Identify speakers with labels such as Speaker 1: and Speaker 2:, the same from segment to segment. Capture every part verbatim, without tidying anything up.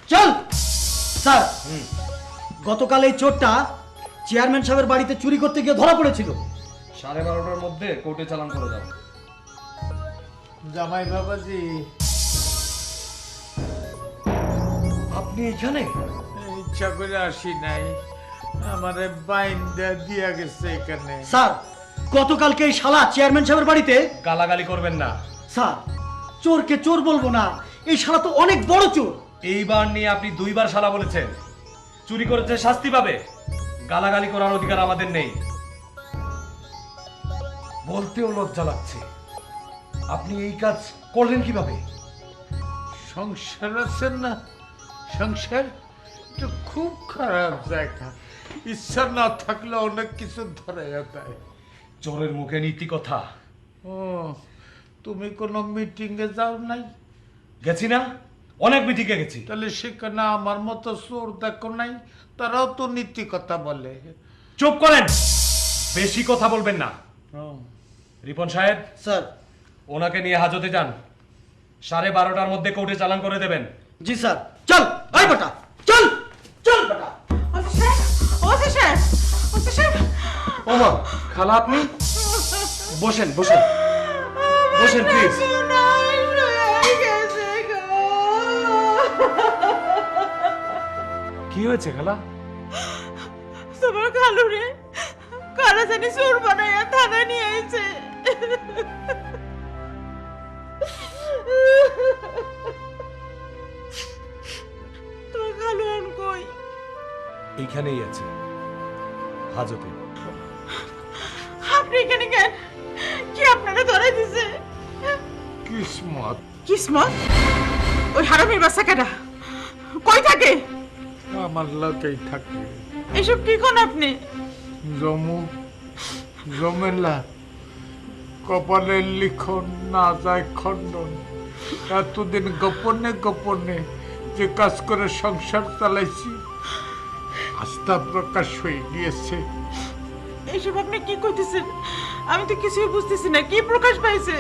Speaker 1: চল স্যার, গতকাল এই চোরটা চেয়ারম্যান সাহেবের বাড়িতে চুরি করতে গিয়ে ধরা পড়েছিল।
Speaker 2: সাড়ে বারোটার মধ্যে কোর্টে চালান করে দাও।
Speaker 3: জামাই বাবাজি,
Speaker 2: আপনি এখানে?
Speaker 3: ইচ্ছা করে আসি নাই, আমারে বাইন্দা দিয়া গেছে এখানে।
Speaker 1: স্যার, গতকালকে এই শালা চেয়ারম্যান সাহেবের বাড়িতে।
Speaker 2: গালাগালি করবেন না
Speaker 1: স্যার, চোরকে চোর বলবো না, এই শালা তো অনেক বড় চোর।
Speaker 2: এইবার নিয়ে আপনি দুইবার শালা বলেছেন। চুরি করেছে শাস্তি পাবে, গালাগালি করার অধিকার আমাদের নেই। বলতেও লজ্জা লাগছে, আপনি এই কাজ করলেন কিভাবে?
Speaker 3: সংসার আছে না, সংসার তো খুব খারাপ জায়গা, ইচ্ছা না থাকলে অনেক কিছু ধরে যায়।
Speaker 2: চোরের মুখে নীতি কথা।
Speaker 3: ও, তুমি কোনো মিটিং এ যাও নাই?
Speaker 2: গেছি না, অনেক মিটিংয়ে গেছি।
Speaker 3: তাহলে সেখানে আমার মতো চোর দেখো নাই? তারাও তো নীতি কথা বলে।
Speaker 2: চুপ করেন, বেশি কথা বলবেন না।
Speaker 3: ও,
Speaker 2: রিপন সাহেব,
Speaker 1: স্যার।
Speaker 2: ওনাকে নিয়ে হাজতে যান। সাড়ে বারোটার মধ্যে কোর্টে চালান করে দেবেন।
Speaker 1: জি স্যার। চল আই বেটা, চল চল বেটা।
Speaker 2: ওমা, খালা আপনি বসেন বসেন বসেন প্লিজ। কি হয়েছে খালা?
Speaker 4: তোমার খালু রে কারা জানি চোর বানাইয়া থানায় নিয়ে আইছে। তোমার খালু এখন কই?
Speaker 2: এইখানেই আছে, হাজতে।
Speaker 4: আপনি এখানে কেন? কি আপনারা ধরাই দিছে?
Speaker 3: কিসমত।
Speaker 4: কিসমত? ওই হারামির বাচ্চা কেডা? কই থাকে?
Speaker 3: আমার লোকেই থাকে।
Speaker 4: এসব কি কোন আপনি?
Speaker 3: জমু জমেলা, কপালের লিখন না যায় খণ্ডন। এতদিন গোপনে গোপনে যে কাজ করে সংসার চালাইছি, আস্থা প্রকাশ হয়ে গিয়েছে।
Speaker 4: এসব আপনি কি কইতেছেন? আমি তো কিছুই বুঝতেছি না, কি প্রকাশ পাইছে?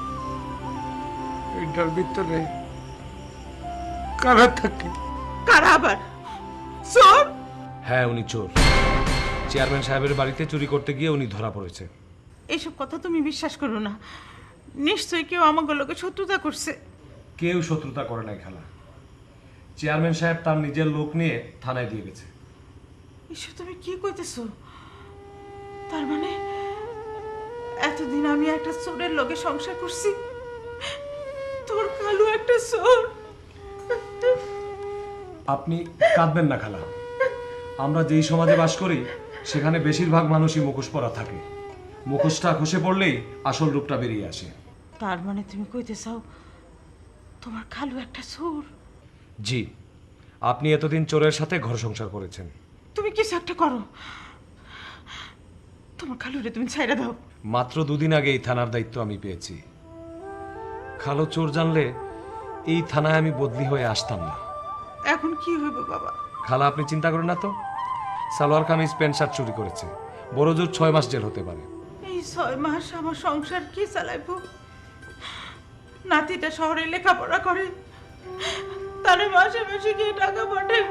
Speaker 3: এটার ভিতরে কারা থাকে?
Speaker 4: কারা আবার? চোর?
Speaker 2: হ্যাঁ, উনি চোর। চেয়ারম্যান সাহেবের বাড়িতে চুরি করতে গিয়ে উনি ধরা পড়েছে।
Speaker 4: এইসব কথা তুমি বিশ্বাস করো না, নিশ্চয়ই কেউ আমাকে লোকে শত্রুতা করছে।
Speaker 2: কেউ শত্রুতা করে নাই খালা। চেয়ারম্যান সাহেব তার নিজের লোক নিয়ে থানায় দিয়ে গেছে।
Speaker 4: এসব তুমি কি কইতেছো? তার মানে এতদিন আমি একটা চোরের লগে সংসার করছি, তোর কালু একটা চোর।
Speaker 2: আপনি কাঁদবেন না খালা। আমরা যেই সমাজে বাস করি সেখানে বেশিরভাগ মানুষই মুখোশ পরা থাকে। মুখোশটা খসে পড়লেই আসল রূপটা বেরিয়ে আসে।
Speaker 4: তার মানে তুমি কইতে চাও তোমার কালু একটা চোর?
Speaker 2: জি, আপনি এতদিন চোরের সাথে ঘর সংসার করেছেন।
Speaker 4: তুমি কিছু একটা করো, তোমার কালুরে তুমি ছাইড়া দাও।
Speaker 2: মাত্র দুদিন আগে এই থানার দায়িত্ব আমি পেয়েছি। খালো চোর জানলে এই থানায় আমি বদলি হয়ে আসতাম না।
Speaker 4: এখন কি হইব বাবা?
Speaker 2: খালা আপনি চিন্তা করেন না তো। সালোয়ার কামিজ প্যান্ট শার্ট চুরি করেছে, বড় জোর ছয় মাস জেল হতে পারে।
Speaker 4: এই ছয় মাস আমার সংসার কি চালাইব? নাতিটা শহরে লেখাপড়া করে, তারে মাসে মাসে গিয়ে টাকা পাঠাইব।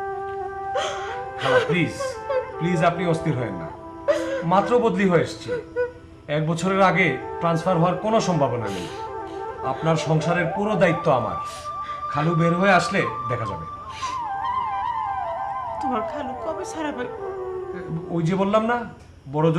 Speaker 2: খালা প্লিজ প্লিজ আপনি অস্থির হয়েন না। মাত্র বদলি হয়ে এসেছি, এক বছরের আগে ট্রান্সফার হওয়ার কোনো সম্ভাবনা নেই। আপনার সংসারের পুরো দায়িত্ব আমার। খালু বের হয়ে আসলে দেখা যাবে।
Speaker 4: তোমার খালু কবে ছাড়াবে?
Speaker 2: ওই যে বললাম না, বড় জোর